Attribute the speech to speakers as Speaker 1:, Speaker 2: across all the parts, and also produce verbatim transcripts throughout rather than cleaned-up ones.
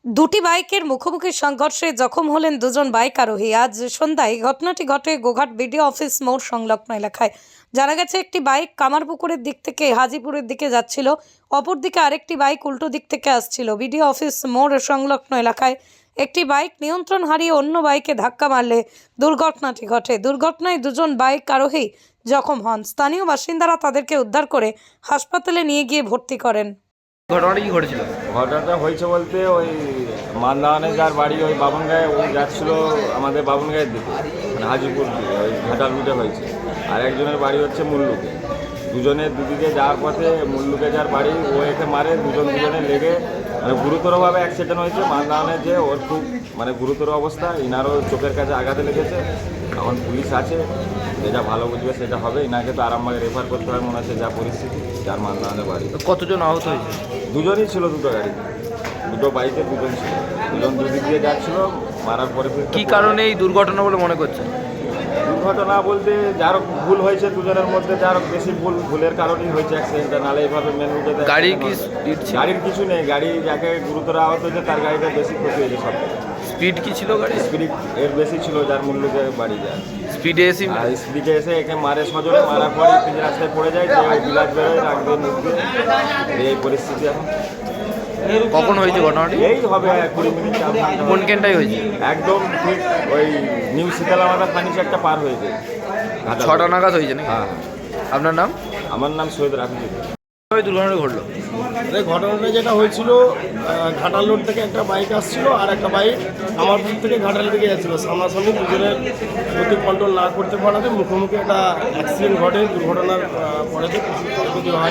Speaker 1: দুটি বাইকের মুখোমুখি সংঘর্ষে জখম হলেন দুজন বাইক আরোহী। আজ সন্ধ্যায় ঘটনাটি ঘটে গোঘাট বিডিও অফিস মোড় সংলগ্ন এলাকায়। জানা গেছে, একটি বাইক কামারপুকুরের দিক থেকে হাজিপুরের দিকে যাচ্ছিল, অপরদিকে আরেকটি বাইক উল্টো দিক থেকে আসছিল। বিডিও অফিস মোড় সংলগ্ন এলাকায় একটি বাইক নিয়ন্ত্রণ হারিয়ে অন্য বাইকে ধাক্কা মারলে দুর্ঘটনাটি ঘটে। দুর্ঘটনায় দুজন বাইক আরোহী জখম হন। স্থানীয় বাসিন্দারা তাদেরকে উদ্ধার করে হাসপাতালে নিয়ে গিয়ে ভর্তি করেন।
Speaker 2: ঘটনাটা কি ঘটেছিল?
Speaker 3: ঘটনাটা হয়েছে বলতে ওই মান্দাওয়ানে যার বাড়ি ওই বাবনগাঁয়ে, ওই যাচ্ছিল আমাদের বাবনগাঁয়ের দিকে, মানে হাজিপুর দিকে, ওই ঘাটাল রুটে হয়েছে। আর একজনের বাড়ি হচ্ছে মুল্লুকে। দুজনের দুদিকে যাওয়ার পথে মুল্লুকে যার বাড়ি ও একে মারে, দুজন দুজনে লেগে মানে গুরুতরভাবে অ্যাক্সিডেন্ট হয়েছে। মান্দাওয়ানে যে ওর খুব মানে গুরুতর অবস্থা, ইনারও চোখের কাছে আঘাতে লেগেছে। এখন পুলিশ আছে, যেটা ভালো বুঝবে সেটা হবে। ইনাকে তো আরামবাগে রেফার করতে হয় মনে হচ্ছে, যা পরিস্থিতি যার মান্দাওয়ানে বাড়ি।
Speaker 2: কতজন আহত হয়েছে?
Speaker 3: দুজনই ছিল, দুটো গাড়ি, দুটো বাইকে দুজন ছিল। দুজন দুদিক দিয়ে যাচ্ছিল, মারার পরে
Speaker 2: কি কারণে এই দুর্ঘটনা বলে মনে করছে?
Speaker 3: দুর্ঘটনা বলতে যার ভুল হয়েছে দুজনের মধ্যে, যার বেশি ভুল ভুলের কারণেই হয়েছে অ্যাক্সিডেন্টটা। নালে এইভাবে মেন রুটে
Speaker 2: গাড়ি কি স্পিড ছিল?
Speaker 3: গাড়ির কিছু নেই, গাড়ি যাকে গুরুতর আহত হয়েছে তার গাড়িটা বেশি ক্ষতি হয়েছে সব।
Speaker 2: স্পিড কি ছিল গাড়ি?
Speaker 3: স্পিড এর বেশি ছিল, যার মূল্যকে বাড়ি যায়।
Speaker 2: স্পিডে এসে
Speaker 3: আর স্পিডে এসে একে মারে সজনে, মারার পরে তিন রাস্তায় পড়ে যায়, যে বিলাস বেরোয় রাখবে নিচে। এই পরিস্থিতি এখন।
Speaker 2: কখন হয়েছে ঘটনাটি?
Speaker 3: এই হবে কুড়ি মিনিট।
Speaker 2: কোন কেনটাই হয়েছে?
Speaker 3: একদম ঠিক ওই নিউ শীতলামাতা ফার্নিচারটা পার হয়েছে,
Speaker 2: ছটা নাগাদ হয়েছে নাকি?
Speaker 3: হ্যাঁ।
Speaker 2: আপনার নাম?
Speaker 3: আমার নাম সৈয়দ রাফিজুল।
Speaker 2: দুর্ঘটনা ঘটলো?
Speaker 4: এই ঘটনাটা যেটা হয়েছিল, ঘাটাল রোড থেকে একটা বাইক আসছিল আর একটা বাইক কামারপুর থেকে ঘাটালের দিকে যাচ্ছিল। সামনাসামনি দুজনের গতি কন্ট্রোল না করতে পারাতে মুখোমুখি একটা অ্যাক্সিডেন্ট ঘটে। দুর্ঘটনার পরেতে ক্ষয়ক্ষতি হয়।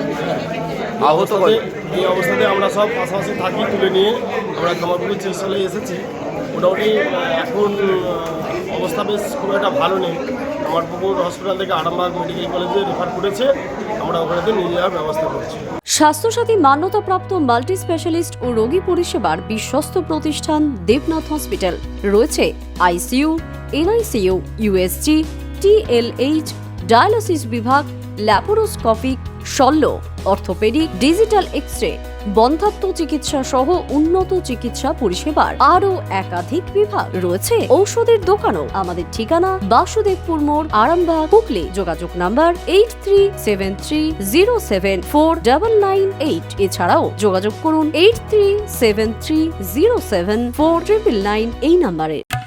Speaker 2: আহত
Speaker 4: এই অবস্থাতে আমরা সব পাশাপাশি থাকি, তুলে নিয়ে আমরা কামারপুরের চিকিৎসালয়ে এসেছি। মোটামুটি এখন অবস্থা বেশ খুব একটা ভালো নেই। কামারপুকুর হসপিটাল থেকে আরামবাগ মেডিকেল কলেজে রেফার করেছে, আমরা ওখানে নিয়ে যাওয়ার ব্যবস্থা করছি।
Speaker 5: স্বাস্থ্যসাথী মান্যতাপ্রাপ্ত মাল্টি স্পেশালিস্ট ও রোগী পরিষেবার বিশ্বস্ত প্রতিষ্ঠান দেবনাথ হসপিটাল। রয়েছে ICU, NICU, USG, TLH, dialysis বিভাগ, ল্যাপারোস্কোপিক, শল্য, অর্থোপেডিক, ডিজিটাল এক্স-রে, বন্ধ্যাত্ব চিকিৎসা সহ উন্নত চিকিৎসা পরিষেবার আরও একাধিক বিভাগ। রয়েছে ঔষধের দোকানও। আমাদের ঠিকানা বাসুদেবপুর মোড়, আরামবাগ, হুগলি। যোগাযোগ number eight three seven three zero seven four double nine eight. এছাড়াও যোগাযোগ করুন eight three seven three zero seven four triple nine এই নাম্বারে।